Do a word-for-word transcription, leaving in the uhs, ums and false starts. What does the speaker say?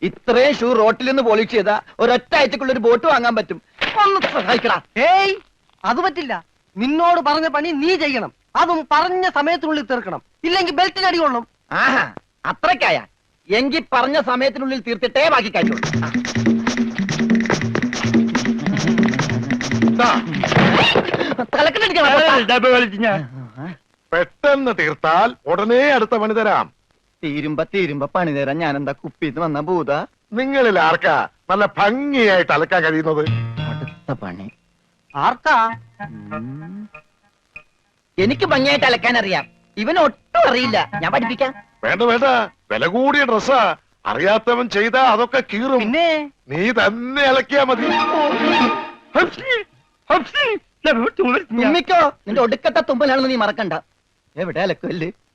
ഇത്രയും ഷൂ റോട്ടിൽ നിന്ന് പോളിഷ് ചെയ്താ ഒരൊറ്റ ആഴ്ചക്കുള്ള ഒരു ബോട്ട് വാങ്ങാൻ പറ്റും. ഒന്ന് സഹായിക്കടാ. ഏയ് അത് പറ്റില്ല. നിന്നോട് പറഞ്ഞ പണി നീ ചെയ്യണം. അതും പറഞ്ഞ സമയത്തിനുള്ളിൽ തീർക്കണം. ഇല്ലെങ്കിൽ ബെൽറ്റിന് അടി കൊള്ളും. ആഹാ അത്രക്കായ എങ്കിൽ പറഞ്ഞ സമയത്തിനുള്ളിൽ തീർത്തിട്ടേ ബാക്കി കഴിയുള്ളൂ. പെട്ടെന്ന് തീർത്താൽ ഉടനെ അടുത്ത പണി തരാം. തീരുമ്പ തീരുമ്പ പണി തരാൻ ഞാൻ എന്താ കുപ്പിന്ന് വന്ന ഭൂത? നിങ്ങളിൽ ആർക്കാ നല്ല ഭംഗിയായിട്ട് അലക്കാൻ കഴിയുന്നത്? അടുത്ത പണി ആർക്കാ? എനിക്ക് ഭംഗിയായിട്ട് അലക്കാൻ അറിയാം. ഇവന് ഒട്ടും അറിയില്ല. ഞാൻ പഠിപ്പിക്കാം. വേണ്ട വേണ്ട, വില കൂടിയ ഡ്രസ്സാ. അറിയാത്തവൻ ചെയ്താ അതൊക്കെ കീറും. പിന്നെ നീ തന്നെ അലക്കിയാ മതി. തുമ്മിക്കോ, നിന്റെ ഒടുക്കത്തെ തുമ്പലാണെന്ന് നീ മറക്കണ്ട. എവിടെ അലക്കല്ലേ?